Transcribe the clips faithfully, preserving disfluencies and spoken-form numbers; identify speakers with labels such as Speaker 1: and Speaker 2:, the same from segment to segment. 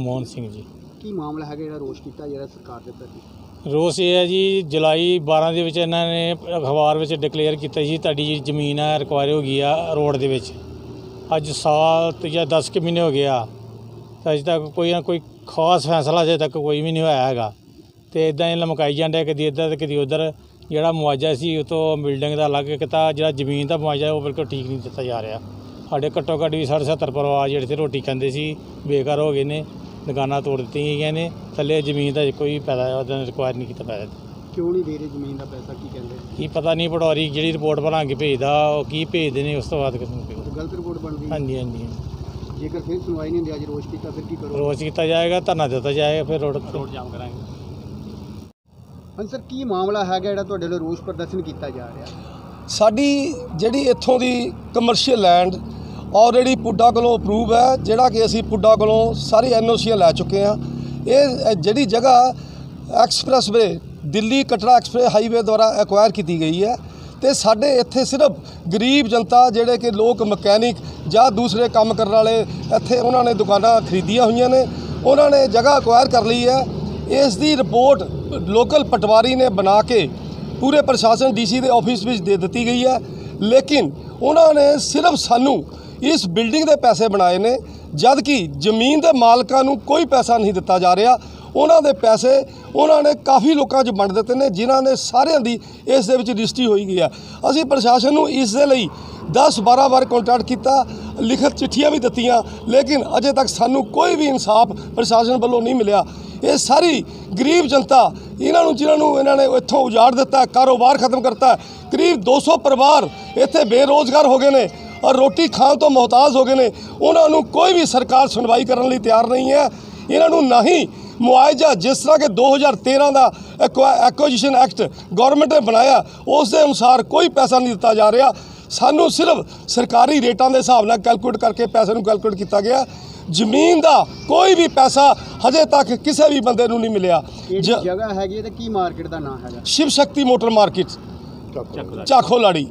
Speaker 1: ਮਨਮੋਹਨ ਸਿੰਘ ਜੀ।
Speaker 2: ਕੀ ਮਾਮਲਾ ਹੈਗਾ ਜਿਹੜਾ ਰੋਸ਼ ਕੀਤਾ ਜਿਹੜਾ ਸਰਕਾਰ ਦੇ ਪ੍ਰਤੀ?
Speaker 1: ਰੋਸ ਇਹ ਹੈ ਜੀ, ਜੁਲਾਈ ਬਾਰਾਂ ਦੇ ਵਿੱਚ ਇਹਨਾਂ ਨੇ ਅਖਬਾਰ ਵਿੱਚ ਡਿਕਲੇਅਰ ਕੀਤਾ ਸੀ ਤੁਹਾਡੀ ਜਿਹੜੀ ਜ਼ਮੀਨ ਹੈ ਰਿਕਵਾਇਰ ਹੋ ਗਈ ਆ ਰੋਡ ਦੇ ਵਿੱਚ। ਅੱਜ ਸਾਲ ਤੇ ਜਾਂ ਦਸ ਕੁ ਮਹੀਨੇ ਹੋ ਗਿਆ, ਅਜੇ ਤੱਕ ਕੋਈ ਨਾ ਕੋਈ ਖਾਸ ਫੈਸਲਾ ਅਜੇ ਤੱਕ ਕੋਈ ਵੀ ਨਹੀਂ ਹੋਇਆ ਹੈਗਾ। ਅਤੇ ਇੱਦਾਂ ਹੀ ਲਮਕਾਈ ਜਾਂਦੇ, ਕਦੀ ਇੱਧਰ ਤੇ ਕਦੀ ਉੱਧਰ। ਜਿਹੜਾ ਮੁਆਵਜ਼ਾ ਸੀ ਉਹ ਤੋਂ ਬਿਲਡਿੰਗ ਦਾ ਅਲੱਗ ਕੀਤਾ, ਜਿਹੜਾ ਜ਼ਮੀਨ ਦਾ ਮੁਆਵਜ਼ਾ ਉਹ ਬਿਲਕੁਲ ਠੀਕ ਨਹੀਂ ਦਿੱਤਾ ਜਾ ਰਿਹਾ। ਸਾਡੇ ਘੱਟੋ ਘੱਟ ਵੀ ਸੱਠ ਸੱਤਰ ਪਰਿਵਾਰ ਜਿਹੜੇ ਇੱਥੇ ਰੋਟੀ ਖਾਂਦੇ ਸੀ ਬੇਘਰ ਹੋ ਗਏ ਨੇ, ਦੁਕਾਨਾਂ ਤੋੜ ਦਿੱਤੀਆਂ ਗਈਆਂ ਨੇ। ਥੱਲੇ ਜ਼ਮੀਨ ਦਾ ਕੋਈ ਪੈਸਾ ਉਹਦਾ ਰਿਕਵਾਇਰ ਨਹੀਂ ਕੀਤਾ ਪੈਸਾ।
Speaker 2: ਕਿਉਂ ਨਹੀਂ ਦੇ ਰਹੇ ਜ਼ਮੀਨ ਦਾ ਪੈਸਾ, ਕੀ ਕਹਿੰਦੇ?
Speaker 1: ਕੀ ਪਤਾ ਨਹੀਂ, ਪਟਵਾਰੀ ਜਿਹੜੀ ਰਿਪੋਰਟ ਬਣਾ ਕੇ ਭੇਜਦਾ ਉਹ ਕੀ ਭੇਜਦੇ ਨੇ, ਉਸ ਤੋਂ ਬਾਅਦ
Speaker 2: ਗਲਤ ਰਿਪੋਰਟ ਬਣਦੀ?
Speaker 1: ਹਾਂਜੀ ਹਾਂਜੀ।
Speaker 2: ਜੇਕਰ ਫਿਰ ਸੁਣਵਾਈ ਨਹੀਂ ਹੁੰਦੀ, ਅੱਜ ਰੋਸ਼ ਕੀਤਾ, ਫਿਰ ਕੀ ਕਰੋ?
Speaker 1: ਰੋਜ਼ ਕੀਤਾ ਜਾਏਗਾ, ਧਰਨਾ ਦਿੱਤਾ ਜਾਏਗਾ, ਫਿਰ ਰੋਡ ਰੋਡ ਜਾਮ ਕਰਾਂਗੇ।
Speaker 2: ਹਾਂਜੀ ਸਰ, ਕੀ ਮਾਮਲਾ ਹੈਗਾ ਜਿਹੜਾ ਤੁਹਾਡੇ ਵੱਲੋਂ ਰੋਸ ਪ੍ਰਦਰਸ਼ਨ ਕੀਤਾ ਜਾ ਰਿਹਾ?
Speaker 3: ਸਾਡੀ ਜਿਹੜੀ ਇੱਥੋਂ ਦੀ ਕਮਰਸ਼ੀਅਲ ਲੈਂਡ ਆਲਰੇਡੀ ਪੁੱਡਾ ਕੋਲੋਂ ਅਪਰੂਵ ਹੈ, ਜਿਹੜਾ ਕਿ ਅਸੀਂ ਪੁੱਡਾ ਕੋਲੋਂ ਸਾਰੀ ਐਨ ਓ ਸੀਆਂ ਲੈ ਚੁੱਕੇ ਹਾਂ। ਇਹ ਜਿਹੜੀ ਜਗ੍ਹਾ expressway Delhi Katra express highway ਦੁਆਰਾ ਐਕਵਾਇਰ ਕੀਤੀ ਗਈ ਹੈ, ਅਤੇ ਸਾਡੇ ਇੱਥੇ ਸਿਰਫ ਗਰੀਬ ਜਨਤਾ ਜਿਹੜੇ ਕਿ ਲੋਕ ਮਕੈਨਿਕ ਜਾਂ ਦੂਸਰੇ ਕੰਮ ਕਰਨ ਵਾਲੇ ਇੱਥੇ ਉਹਨਾਂ ਨੇ ਦੁਕਾਨਾਂ ਖਰੀਦੀਆਂ ਹੋਈਆਂ ਨੇ, ਉਹਨਾਂ ਨੇ ਜਗ੍ਹਾ ਐਕਵਾਇਰ ਕਰ ਲਈ ਹੈ। ਇਸ ਦੀ ਰਿਪੋਰਟ ਲੋਕਲ ਪਟਵਾਰੀ ਨੇ ਬਣਾ ਕੇ ਪੂਰੇ ਪ੍ਰਸ਼ਾਸਨ ਡੀ ਸੀ ਦੇ ਆਫਿਸ ਵਿੱਚ ਦੇ ਦਿੱਤੀ ਗਈ ਹੈ, ਲੇਕਿਨ ਉਹਨਾਂ ਨੇ ਸਿਰਫ ਸਾਨੂੰ ਇਸ ਬਿਲਡਿੰਗ ਦੇ ਪੈਸੇ ਬਣਾਏ ਨੇ, ਜਦ ਕਿ ਜ਼ਮੀਨ ਦੇ ਮਾਲਕਾਂ ਨੂੰ ਕੋਈ ਪੈਸਾ ਨਹੀਂ ਦਿੱਤਾ ਜਾ ਰਿਹਾ। ਉਹਨਾਂ ਦੇ ਪੈਸੇ ਉਹਨਾਂ ਨੇ ਕਾਫੀ ਲੋਕਾਂ 'ਚ ਵੰਡ ਦਿੱਤੇ ਨੇ, ਜਿਨ੍ਹਾਂ ਨੇ ਸਾਰਿਆਂ ਦੀ ਇਸ ਦੇ ਵਿੱਚ ਰਜਿਸਟਰੀ ਹੋਈ ਗਈ ਹੈ। ਅਸੀਂ ਪ੍ਰਸ਼ਾਸਨ ਨੂੰ ਇਸ ਦੇ ਲਈ ਦਸ ਬਾਰਾਂ ਵਾਰ ਕੰਟੈਕਟ ਕੀਤਾ, ਲਿਖਤ ਚਿੱਠੀਆਂ ਵੀ ਦਿੱਤੀਆਂ, ਲੇਕਿਨ ਅਜੇ ਤੱਕ ਸਾਨੂੰ ਕੋਈ ਵੀ ਇਨਸਾਫ ਪ੍ਰਸ਼ਾਸਨ ਵੱਲੋਂ ਨਹੀਂ ਮਿਲਿਆ। ਇਹ ਸਾਰੀ ਗਰੀਬ ਜਨਤਾ, ਇਹਨਾਂ ਨੂੰ ਜਿਨ੍ਹਾਂ ਨੂੰ ਇਹਨਾਂ ਨੇ ਇੱਥੋਂ ਉਜਾੜ ਦਿੱਤਾ, ਕਾਰੋਬਾਰ ਖਤਮ ਕਰਤਾ, ਕਰੀਬ ਦੋ ਸੌ ਪਰਿਵਾਰ ਇੱਥੇ ਬੇਰੋਜ਼ਗਾਰ ਹੋ ਗਏ ਨੇ ਔਰ ਰੋਟੀ ਖਾਣ ਤੋਂ ਮੁਹਤਾਜ ਹੋ ਗਏ ਨੇ। ਉਹਨਾਂ ਨੂੰ ਕੋਈ ਵੀ ਸਰਕਾਰ ਸੁਣਵਾਈ ਕਰਨ ਲਈ ਤਿਆਰ ਨਹੀਂ ਹੈ। ਇਹਨਾਂ ਨੂੰ ਨਾ ਹੀ ਮੁਆਵਜ਼ਾ, ਜਿਸ ਤਰ੍ਹਾਂ ਕਿ ਦੋ ਹਜ਼ਾਰ ਤੇਰ੍ਹਾਂ ਦਾ ਐਕੁਆਜੀਸ਼ਨ ਐਕਟ ਗੌਰਮੈਂਟ ਨੇ ਬਣਾਇਆ, ਉਸ ਦੇ ਅਨੁਸਾਰ ਕੋਈ ਪੈਸਾ ਨਹੀਂ ਦਿੱਤਾ ਜਾ ਰਿਹਾ। ਸਾਨੂੰ ਸਿਰਫ ਸਰਕਾਰੀ ਰੇਟਾਂ ਦੇ ਹਿਸਾਬ ਨਾਲ ਕੈਲਕੂਲੇਟ ਕਰਕੇ ਪੈਸੇ ਨੂੰ ਕੈਲਕੂਲੇਟ ਕੀਤਾ ਗਿਆ। ਜ਼ਮੀਨ ਦਾ ਕੋਈ ਵੀ ਪੈਸਾ ਹਜੇ ਤੱਕ ਕਿਸੇ ਵੀ ਬੰਦੇ ਨੂੰ ਨਹੀਂ ਮਿਲਿਆ।
Speaker 2: ਜਗ੍ਹਾ ਹੈਗੀ ਤੇ ਕੀ ਮਾਰਕੀਟ ਦਾ ਨਾਮ ਹੈਗਾ?
Speaker 3: Shiv Shakti motor market, Chakho Ladi.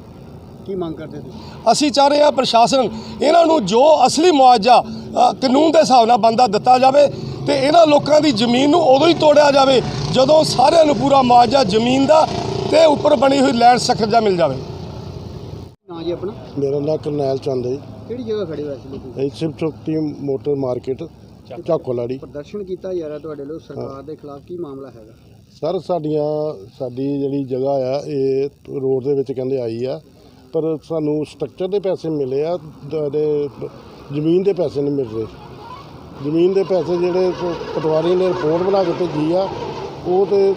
Speaker 2: ਕੀ ਮੰਗ ਕਰਦੇ ਤੁਸੀਂ?
Speaker 3: ਅਸੀਂ ਚਾਹ ਰਹੇ ਹਾਂ ਪ੍ਰਸ਼ਾਸਨ ਇਹਨਾਂ ਨੂੰ ਜੋ ਅਸਲੀ ਮੁਆਵਜ਼ਾ ਕਾਨੂੰਨ ਦੇ ਹਿਸਾਬ ਨਾਲ ਬਣਦਾ ਦਿੱਤਾ ਜਾਵੇ, ਤੇ ਇਹਨਾਂ ਲੋਕਾਂ ਦੀ ਜ਼ਮੀਨ ਨੂੰ ਉਦੋਂ ਹੀ ਤੋੜਿਆ ਜਾਵੇ ਜਦੋਂ ਸਾਰਿਆਂ ਨੂੰ ਪੂਰਾ ਮੁਆਵਜ਼ਾ ਜ਼ਮੀਨ ਦਾ ਤੇ ਉੱਪਰ ਬਣੀ ਹੋਈ ਲੈਂਡ ਸਟਰਕਚਰ ਦਾ ਮਿਲ ਜਾਵੇ।
Speaker 2: ਨਾਂ ਜੀ ਆਪਣਾ?
Speaker 4: ਮੇਰਾ ਨਾਂ ਕਰਨੈਲ ਚੰਦ ਹੈ।
Speaker 2: ਕਿਹੜੀ ਜਗ੍ਹਾ ਖੜੇ ਹੋਏ ਸੀ ਤੁਸੀਂ?
Speaker 4: Shiv Shakti motor market, Chakho Ladi.
Speaker 2: ਪ੍ਰਦਰਸ਼ਨ ਕੀਤਾ ਜਾ ਰਿਹਾ ਤੁਹਾਡੇ ਲੋਕ ਸਰਕਾਰ ਦੇ ਖਿਲਾਫ, ਕੀ ਮਾਮਲਾ ਹੈਗਾ?
Speaker 4: ਸਰ ਸਾਡੀਆਂ ਸਾਡੀ ਜਿਹੜੀ ਜਗ੍ਹਾ ਆ ਇਹ ਰੋਡ ਦੇ ਵਿੱਚ ਕਹਿੰਦੇ ਆਈ ਆ, ਪਰ ਸਾਨੂੰ ਸਟਰਕਚਰ ਦੇ ਪੈਸੇ ਮਿਲੇ ਆ, ਦੇ ਜ਼ਮੀਨ ਦੇ ਪੈਸੇ ਨਹੀਂ ਮਿਲ ਰਹੇ। ਜ਼ਮੀਨ ਦੇ ਪੈਸੇ ਜਿਹੜੇ ਪਟਵਾਰੀ ਨੇ ਰਿਪੋਰਟ ਬਣਾ ਕੇ ਭੇਜੀ ਆ, ਉਹ ਤੇ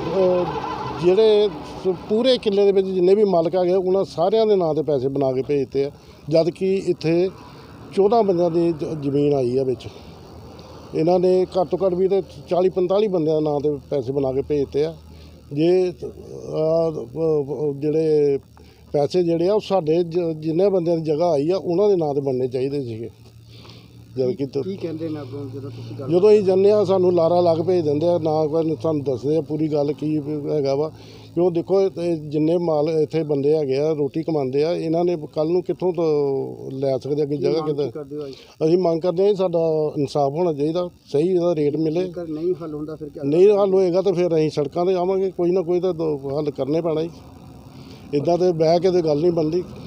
Speaker 4: ਜਿਹੜੇ ਪੂਰੇ ਕਿੱਲੇ ਦੇ ਵਿੱਚ ਜਿੰਨੇ ਵੀ ਮਾਲਕ ਹੈਗੇ ਉਹਨਾਂ ਸਾਰਿਆਂ ਦੇ ਨਾਂ 'ਤੇ ਪੈਸੇ ਬਣਾ ਕੇ ਭੇਜਦੇ ਆ, ਜਦ ਕਿ ਇੱਥੇ ਚੌਦਾਂ ਬੰਦਿਆਂ ਦੀ ਜ਼ਮੀਨ ਆਈ ਆ ਵਿੱਚ। ਇਹਨਾਂ ਨੇ ਘੱਟ ਤੋਂ ਘੱਟ ਵੀ ਤੇ ਚਾਲੀ ਪੰਤਾਲੀ ਬੰਦਿਆਂ ਦੇ ਨਾਂ 'ਤੇ ਪੈਸੇ ਬਣਾ ਕੇ ਭੇਜਦੇ ਆ। ਜੇ ਜਿਹੜੇ ਪੈਸੇ ਜਿਹੜੇ ਆ ਉਹ ਸਾਡੇ ਜਿੰਨੇ ਬੰਦਿਆਂ ਦੀ ਜਗ੍ਹਾ ਆਈ ਆ ਉਹਨਾਂ ਦੇ ਨਾਂ 'ਤੇ ਬਣਨੇ ਚਾਹੀਦੇ ਸੀਗੇ। ਜਦ ਕਿ
Speaker 2: ਕੀ ਕਹਿੰਦੇ ਨੇ ਅੱਗੋਂ ਜਦੋਂ ਤੁਸੀਂ ਗੱਲ
Speaker 4: ਜਦੋਂ ਅਸੀਂ ਜਾਂਦੇ ਹਾਂ ਸਾਨੂੰ ਲਾਰਾ ਲੱਗ ਭੇਜ ਦਿੰਦੇ ਆ, ਨਾ ਕੋਈ ਸਾਨੂੰ ਦੱਸਦੇ ਆ ਪੂਰੀ ਗੱਲ ਕੀ ਹੈਗਾ ਵਾ। ਕਿਉਂ ਦੇਖੋ ਜਿੰਨੇ ਮਾਲ ਇੱਥੇ ਬੰਦੇ ਹੈਗੇ ਆ ਰੋਟੀ ਕਮਾਉਂਦੇ ਆ, ਇਹਨਾਂ ਨੇ ਕੱਲ੍ਹ ਨੂੰ ਕਿੱਥੋਂ ਤੋਂ ਲੈ ਸਕਦੇ ਅੱਗੇ ਜਗ੍ਹਾ ਕਿਤੇ? ਅਸੀਂ ਮੰਗ ਕਰਦੇ ਹਾਂ ਸਾਡਾ ਇਨਸਾਫ ਹੋਣਾ ਚਾਹੀਦਾ, ਸਹੀ ਇਹਦਾ ਰੇਟ ਮਿਲੇ।
Speaker 2: ਨਹੀਂ ਹੱਲ ਹੁੰਦਾ ਫਿਰ ਕੀ?
Speaker 4: ਨਹੀਂ ਹੱਲ ਹੋਏਗਾ ਤਾਂ ਫਿਰ ਅਸੀਂ ਸੜਕਾਂ 'ਤੇ ਆਵਾਂਗੇ, ਕੋਈ ਨਾ ਕੋਈ ਤਾਂ ਹੱਲ ਕਰਨੇ ਪੈਣਾ ਜੀ। ਇੱਦਾਂ ਤੇ ਬਹਿ ਕੇ ਤਾਂ ਗੱਲ ਨਹੀਂ ਬਣਦੀ।